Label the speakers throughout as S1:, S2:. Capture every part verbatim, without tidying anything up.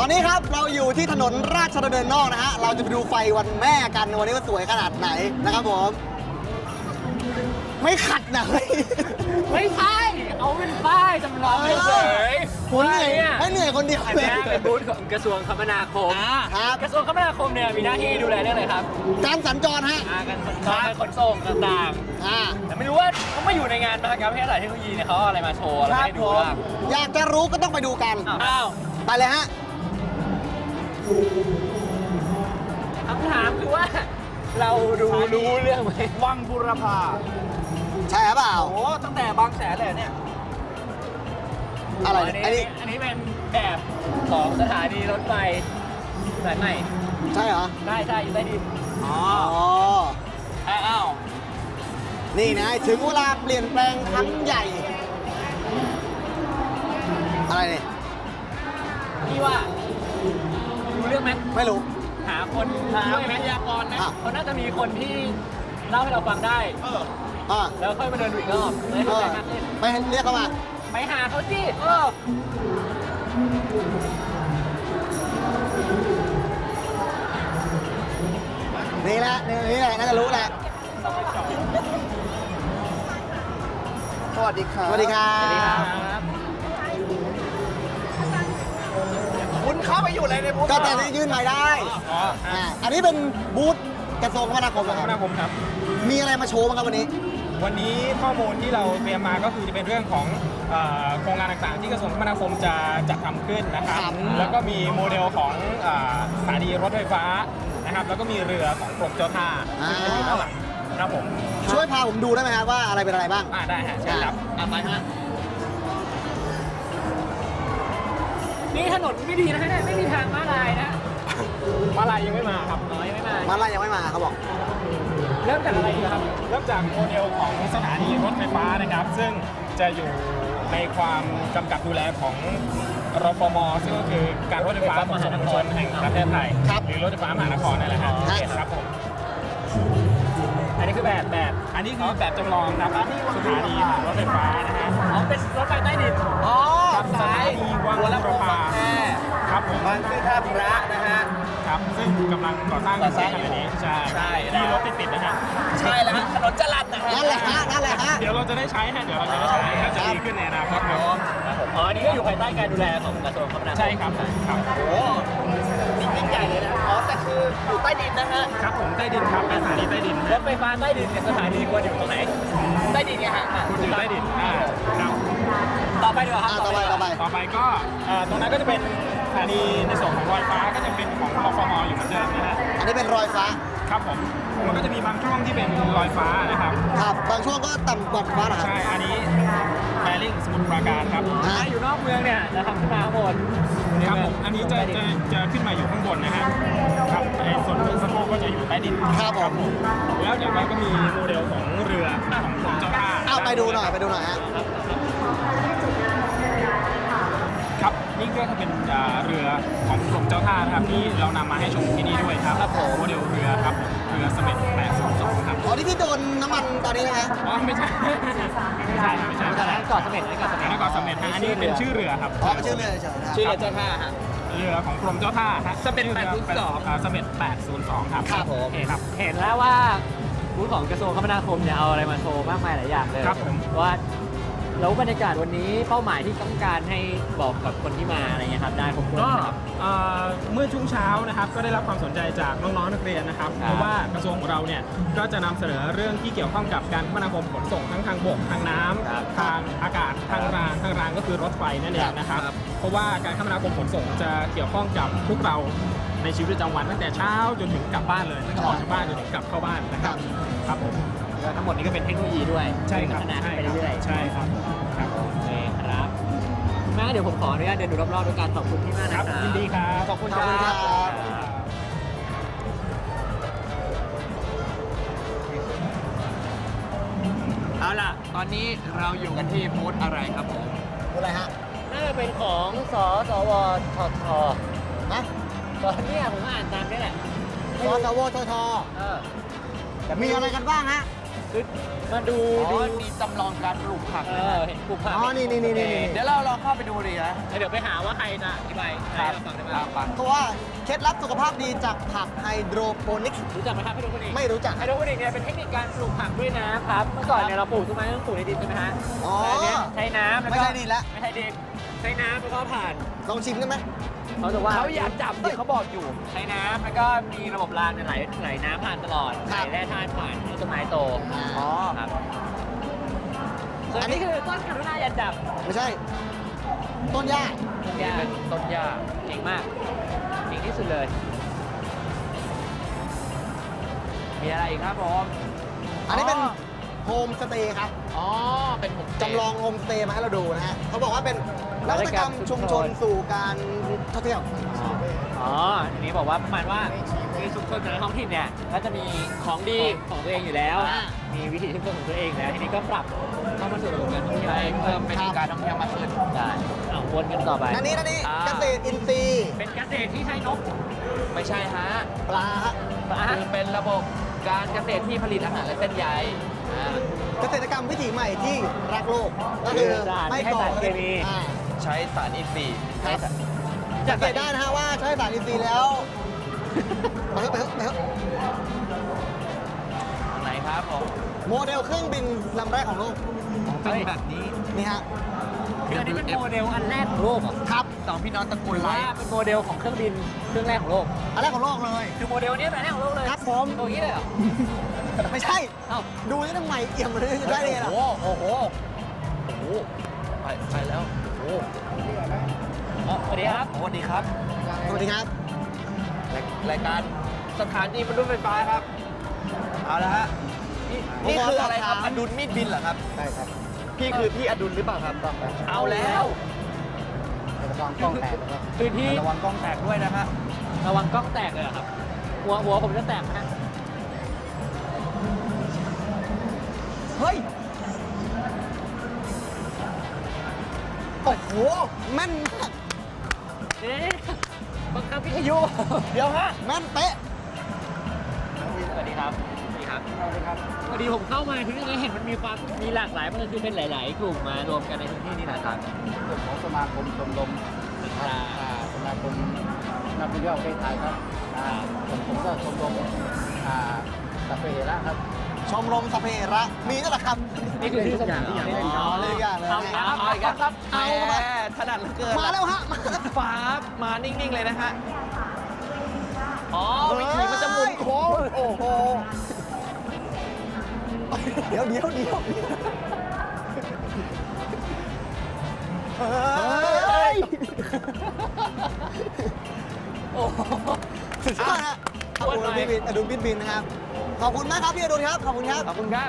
S1: อนนี้ครับเราอยู่ที่ถนนราชดำเนินนอกนะฮะเราจะไปดูไฟวันแม่กันวันนี้ว่าสวยขนาดไหนนะครับผมไม่ขัดนะเฮ้ย
S2: ไม่ใช่เอาเป็นป้ายจำลองเฉย
S1: คนเหนื่อยให้เหนื่อยคนเดียว
S2: อัน
S1: เลย
S2: นี้เป็นบูธของกระทรวงคมนาคม
S1: ครับ
S2: กระทรวงคมนาคมเนี่ยมีหน้าที่ดูแลเรื่องอะไรครับ
S1: การสัญจรฮะ
S2: อ่าการสัญจรการขนส่งต่าง
S1: อ่า
S2: ๆแต่ไม่รู้ว่าเขามาอยู่ในงานมหกรรมวิทยาศาสตร์เทคโนโลยีเนี่ยเขาเอาอะไรมาโชว์อะไรให้ดูบ้าง
S1: อยากจะรู้ก็ต้องไปดูกัน
S2: อ้าว
S1: ไปเลยฮะ
S2: คำถามคือว่า เราดูรู้เรื่องไหมวังบุรพา
S1: ใช่หรือเปล่า
S2: โอ้ตั้งแต่บางแสนเลยเนี่ย
S1: อะไร
S2: อัน
S1: เนี่ยอัน
S2: นี้
S1: นี้
S2: อันนี้เป็นแบบของสถานีรถไฟสายใหม่
S1: ใช่เหรอ
S2: ได้ใช่อยู่ใต้ดิน อ๋อ
S1: อ๋อ
S2: อ้าว
S1: นี่นะถึงเวลาเปลี่ยนแปลงครั้งใหญ่ อะไรเนี่ย
S2: พี่ว่ารู้เรื่องไหม
S1: ไม่รู้
S2: หาคนช่วยไหมพยากรณ์นะ
S1: อ่ะ
S2: เขาน่าจะมีคนที่เล่าให้เราฟังได้ เออ
S1: อ่า
S2: แล้วค่อยมาเดินดูอีกรอบจะได้
S1: เอ
S2: เข้าใจ
S1: อ
S2: มากขึ้น
S1: ไปเรียกเขามา
S2: ไปหาเขาสิเออ
S1: นี่แหละนี่แหละน่าจะรู้แหละ
S3: สวัสดีครับ
S1: สวัสดีครั
S2: สวัสดีครับ บ
S3: คุณเข้าไปอยู่อะไรในบูธ
S1: ก็แต่ที่ยื่นหมายได้
S3: อ๋อ
S1: อ่าอันนี้เป็นบูธกระทรวงคมนาคมนะ
S3: ค
S1: ค
S3: ม
S1: รับ
S3: นาคมครับ
S1: มีอะไรมาโชว์บ้างครับวันนี้
S3: วันนี้ข้อมูลที่เราเตรียมมาก็คือจะเป็นเรื่องของเอ่อโครงงานต่างๆ ที่กระทรวงคมนาคมจะจัดทำขึ้นนะครับ
S1: ครับ
S3: แล้วก็มีโมเดลของเอ่อสถานีรถไฟฟ้านะครับ แล้วก็มีเรือของกรมเจ้าท่าซึ่งจะอยู่ด้านหลังครับผม
S1: ช่วยพาผมดูได้ไหมครับว่าอะไรเป็นอะไรบ้าง
S3: อ่าได้ฮะเชิญครับ
S1: อ่าไปฮะ
S2: นี่ถนนไม่ดีนะฮะเนี่ยไม่มีทางม้าลายนะ
S3: มาลายยังไม่มาครับ
S2: น้อยไม่มา
S1: มาลายยังไม่มาเขาบอก
S2: เริ่มจากอะไรดีครับ
S3: เริ่มจากโมเดลของสถานีรถไฟฟ้านะครับ ซึ่งจะอยู่ในความกำกับดูแลของรฟม ซึ่งก็คือการรถไฟฟ้าขนส่งมวลชนแห่งประเทศไทย
S1: ครับ
S3: หรือรถไฟฟ้ามหานครนั่นแหละครับ
S1: ครับ
S3: ครับผม
S2: อันนี้คือแบบแบบ
S3: อันนี้คือแบบจำลองครับสถานีรถไฟฟ้านะฮะ
S2: อ๋อเป็นรถไฟใต้ดินอ๋อ
S3: ครับสถานีวังบุรพาครับผม
S2: บางซื่อท่าพระนะฮะ
S3: ครับซึ่งกำลังก่อสร้างอยู่ในขณะนี้ใช่
S2: ใช่
S3: ที่รถติดๆนะฮะ
S2: ใช่แล้วถนนจรัญนะฮะ
S1: นั่นแหละฮะนั่นแหละฮะ
S3: เดี๋ยวเราจะได้ใช้ฮะเดี๋ยวเราจะได้ใช้ก็จะดีขึ้นในอนาคตครับ
S2: อ๋ออันนี้ก็อยู่ภายใต้การดูแลของกระทรวงคมนาคม
S3: ใช่ครับครับ
S2: โอ้นี่ยิ่งใหญ่เลยนะ อ๋อ แต่คืออยู่ใต้ดินนะฮะ
S3: ครับผมใต้ดินครับเป็นสถานีใต้ดิน
S2: รถไฟฟ้าใต้ดินเนี่ยสถานีควรอยู่ตรงไหน ใต้ดินไงฮะ
S3: คุณอยู่ใต้ดินอ่าครับ
S2: ต่อไปดีกว่าครับ
S1: อ่าต่อไปต่อไป
S3: ต่อไปก็เอ่อตรงนั้นก็จะเป็นสถานีในส่วนของรอยฟ้าก็จะเป็นของรฟมอยู่เหมือนเดิมนะฮะ
S1: อันนี้เป็นรอยฟ้า
S3: ครับผมมันก็จะมีบางช่วงที่เป็นรอยฟ้านะครับ
S1: ครับบางช่วงก็ต่ำกว่าฟ้านะครับ
S3: ใช่อันนี้แบริ่งสมุทรปราการครับ
S1: ฮะ
S2: ถ้าอยู่นอกเมืองเนี่ยจะทำขึ้นมาข้างบน
S3: ครับผมอันนี้จะจะจะขึ้นมาอยู่ข้างบนนะฮะครับไอ้ส่วนสะโพกก็จะอยู่ใต้ดิน
S1: ครับผม
S3: แล้วเดี๋ยวเราก็มีโมเดลของเรือของกรมเจ้าท่า
S1: เอาไปดูหน่อยไปดูหน่อยฮะ
S3: ครับนี่ก็จะเป็นอ่าเรือของกรมเจ้าท่านะครับที่เรานำมาให้ชมที่นี่ด้วยครับโมเดลเรือครับเรือเสม็ดแปดสองสองครับ
S1: อ๋อนี่ที่โดนน้ำมันตอนนี้นะฮะ
S3: อ๋อไม่ใช่ไม่ใช่ไม่ใช่ไม่
S2: แต่
S3: ใช่
S2: นั้นเกาะเสม็ดนี่เกาะเสม็ด
S3: แล้วก็เสม็ดฮะอันนี้เป็นชื่อเรือครับ
S1: อ๋อเป็นชื่อเรือเฉยๆนะ
S2: ชื่อเรือเจ้าท่าฮะ
S3: เรือของกรมเจ้าท่าฮะ
S2: เสม็ดแปดศูนย์สอง
S3: าเสม็ดแปดศูนย์สองครับ
S1: ครับผม
S3: โอเคครับ
S2: เห็นแล้วว่าบูธของกระทรวงคมนาคมเนี่ยเอาอะไรมาโชว์มากมายหลายอย่างเลย
S3: ครับผม
S2: ว่าแล้วบรรยากาศวันนี้เป้าหมายที่ต้องการให้บอกกับคนที่มาอะไรเงี้ยครับได้ครบถ้วน
S3: ก็
S2: ไหมครับ
S3: เอ่อเมื่อช่วงเช้านะครับก็ได้รับความสนใจจากน้องๆนักเรียนนะครับ
S2: ครับ
S3: เพราะว่ากระทรวงของเราเนี่ยก็จะนำเสนอเรื่องที่เกี่ยวข้องกับการคมนาคมขนส่งทั้งทางบกทางน้ำ
S2: ครับ
S3: ทางอากาศทางรางทางรางก็คือรถไฟนั่นเองนะครับ
S2: ครับ
S3: เพราะว่าการคมนาคมขนส่งจะเกี่ยวข้องกับพวกเราในชีวิตประจำวันตั้งแต่เช้าจนถึงกลับบ้านเลยตั้งแต่ออกจากบ้านจนถึงกลับเข้าบ้านนะครับครับผม
S2: แล้วทั้งหมดนี้ก็เป็นเทคโนโลยีด้วย
S3: ใช่ครับ
S2: พัฒนา
S3: ใช่
S2: ไป
S3: ครับ
S2: เรื่อยๆ
S3: ใช่ครับครับ
S2: โอเคครับแม่เดี๋ยวผมขออนุญาตเดินดูรอบๆด้วยการขอบคุณที่มาก
S3: ค
S2: นะค
S3: รั
S2: รั
S3: บบ ยินดีครับ
S2: ขอบคุณ
S1: ขอบคุณครับ
S4: เอาล่ะ ตอนนี้เราอยู่กันที่บูธอะไรครับผม
S1: ดูอะไรฮะ
S2: น่าจะเป็นของสสวทท
S1: ฮะ
S2: ตอนนี้ผมอ่านตามนี่แหละ
S1: สสวทท
S2: เออ
S1: มีอะไรกันบ้างฮะ
S2: คือมาดู
S4: อ๋
S2: ดู
S4: อนี่จำลองการปลูกผัก
S2: เอ
S4: นะ
S2: อ
S4: ฮะ
S2: เห็นปลูกผัก
S1: อ๋อนี่นี่นี่นี่นี่
S4: เดี๋ยวเราเราเข้าไปดูดีนะ
S2: เดี๋ยวไปหาว่าใครจะอธิบายให้เราฟังได้ไหม
S4: ตามไป
S1: เพราะว่าเคล็ดลับสุขภาพดีจากผักไฮโดรโปนิกส์
S2: รู้จักไหมครับไฮโดรโปนิกส์
S1: ไม่รู้จัก
S2: ไฮโดรโปนิกส์เนี่ยเป็นเทคนิคการปลูกผักด้วยนะครับเมื่อก่อนเนี่ยเราปลูกต้นไม้ต้องปลูกในดินใช่ไหมฮะ
S1: อ๋อ
S2: แต่อันเนี้ยใช้น้ำแล้วก็
S1: ไม่ใช่ดินละ
S2: ไม่ใช่ดินใช้น้ำแล้วก็ผ่าน
S1: ลองชิมได้ไหม
S2: เขาบอกว่า
S4: เขาอยากจับเดี๋ยวเขาบอกอยู่
S2: ใช้น้ำแล้วก็มีระบบรางเนี่ยไหลไหลน้ำผ่านตลอด
S1: ค
S2: ไห
S1: รั
S2: ล
S1: บ
S2: แร่ธาตุผ่านให้ต้นไม้โต
S1: อ๋อ
S2: ครับส่วนอันนี้คือต้นกรุณาอย่าจับ
S1: ไม่ใช่ ต้นหญ้า
S2: ต้นหญ้า
S4: เป็นต้นหญ้า
S2: เก่งมากเก่งที่สุดเลย
S4: มีอะไรอีกครับผม
S1: อันนี้เป็นโฮมสเตย์ครับ
S4: อ๋อ เป็นผม
S1: จำลองโฮมสเตย์มาให้เราดูนะฮะเขาบอกว่าเป็นนวัตกรรมชุมชนสู่การท่องเที่ยว
S2: อ๋ออันนี้บอกว่าประมาณว่าคือชุมชนแต่ละท้องถิ่นเนี่ยก็จะมีของดีของตัวเองอยู่แล้ว
S1: อ่า
S2: มีวิถีชุมชนของตัวเองแล้วทีนี้ก็ปรับเข้ามาสู่ระบบการท่องเที่ยว
S4: ไปเพิ่มเป็นการท่องเที่ยวมากขึ้น
S2: ได้เอาวนกันต่อไป
S1: อันนี้อันนี้
S4: อ่า
S1: เกษตรอินทรีย์
S2: เป็นเกษตรที่ใช้นก
S4: ไม่ใช่ฮะ
S1: ปลาฮะ
S2: ปลา
S4: คือเป็นระบบการเกษตรที่ผลิตอาหารและเส้นใยอ่า
S1: เกษตรกรรมวิถีใหม่ที่รักโลก ก็คือไม่ก่อ
S2: สารเคมี
S1: อ่า
S4: ใช้สารอินทรีย์
S1: ครับสังเกตได้นะฮะว่าใช้สารอินทรีย์แล้ว ไปเถอะไปเถอะไปเถอะ
S4: ไหนครับผม
S1: โมเดลเครื่องบินลำแรกของโลก
S4: เป็นแบบนี้
S1: นี่ฮะ
S2: คืออันนี้เป็นโมเดลอันแรกของโลกเหรอ
S1: ครับ
S4: สองพี่น้องตระกู
S2: ห
S4: ล
S2: รือ
S4: ไล
S2: ว่า
S4: ท์
S2: เป็นโมเดลของเครื่องบินเครื่องแรกของโลก
S1: อันแรกของโลกเลย
S2: คือโมเดลนี้เป็นอันแรกของโลกเลย
S1: ครับผม
S2: ตัวนี้เลยเหรอ
S1: ไม่ใช่
S2: เอ้า
S1: ดูนี่ทำไมเอี่ยมเลยจะได้เลยล่ะ
S4: โอ้โห โอ้โห โอ้โห ไปไปแล้ว โอ้โห
S2: อ๋อสวัสดีครับ
S4: สวัสดีครับ
S1: สวัสดีครับ
S4: รายรายการสถานีบรรลุไฟฟ้าครับ เอาละฮะ นี่นี่คืออะไรครับ อดุลมีดบินเหรอครับ
S1: ใช่ครับ
S4: พี่คือพี่อดุลหรือเปล่าครับ เอาแล้ว
S1: ระวังกล้องแตกนะครับ
S2: คือที่
S4: ระวังกล้องแตกด้วยนะฮะ
S2: ระวังกล้องแตกเลยเหรอครับ หัวหัวผมจะแตกนะ
S1: เฮ้ย โอ้โห แม่นมาก
S2: เดี๋ยวบังคับวิทยุ
S1: เดี๋ยวฮะ แม่นเป๊ะ
S2: สวัสดีครับ สวัสดีครับ สวัสดีครับพอดีผมเข้ามาที่นี่เห็นมันมีความมีหลากหลายมันคือเป็นหลาย ๆ กลุ่มมารวมกันในพื้นที่นี่นะครับ
S5: กลุ่มของสมาคมชมรมอ่าสมาคมนักท่องเที่ยวประเทศไทยครับอ่าผมผมก็ชมรมอ่าสัพเพเหระครับ
S1: ชมรมสพเพระ มีนั่นแหละครับ
S2: นี่คือชื่อสถานที่
S1: เล่นอ๋อเล่นอย่างเลย
S2: เอา
S1: นะ
S2: ครับ
S4: เอาอีกแล้วครับ
S1: เอา
S4: แห
S1: มา
S4: มถนัดเหลือเกิน
S1: มาแล้วฮะมาแล้ว
S4: ฟ้ามานิ่ง ๆ เลยนะฮะ อ๋อ วิถีมันจะหมุนโค้ง
S1: โอ้โห เดี๋ยวเดี๋ยวเดี๋ยวเฮ้ย
S2: โอ้โห
S1: สุดยอดฮะขอบคุณพี่บินอดุลบินบินนะครับ ขอบคุณมากครับพี่อดุลครับ ขอบคุณครับ
S4: ขอบคุณครับ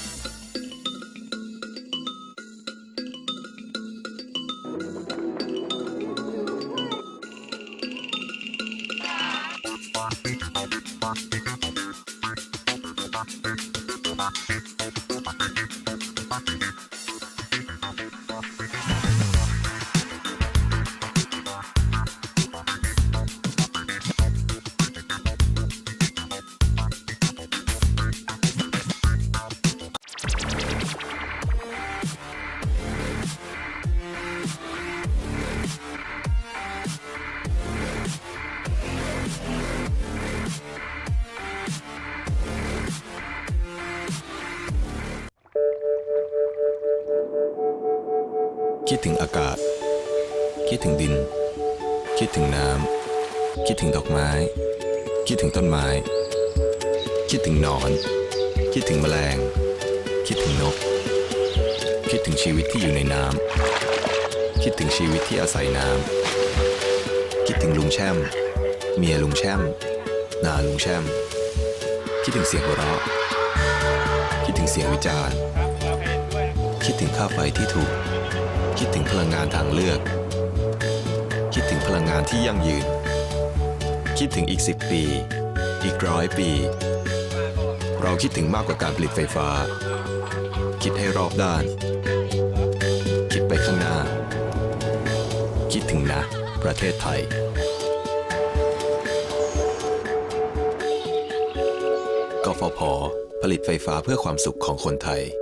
S6: คิดถึงอากาศ คิดถึงดิน คิดถึงน้ำ คิดถึงดอกไม้ คิดถึงต้นไม้ คิดถึงหนอน คิดถึงแมลง คิดถึงนก คิดถึงชีวิตที่อยู่ในน้ำ คิดถึงชีวิตที่อาศัยน้ำ คิดถึงลุงแช่ม เมียลุงแช่ม นาลุงแช่ม คิดถึงเสียงหัวเราะ คิดถึงเสียงวิจารณ์ คิดถึงค่าไฟที่ถูก คิดถึงพลังงานทางเลือก คิดถึงพลังงานที่ยั่งยืน คิดถึงอีกสิบปี อีกร้อยปี เราคิดถึงมากกว่าการผลิตไฟฟ้า คิดให้รอบด้าน คิดไปข้างหน้า คิดถึงนะ ประเทศไทย กฟผผลิตไฟฟ้าเพื่อความสุขของคนไทย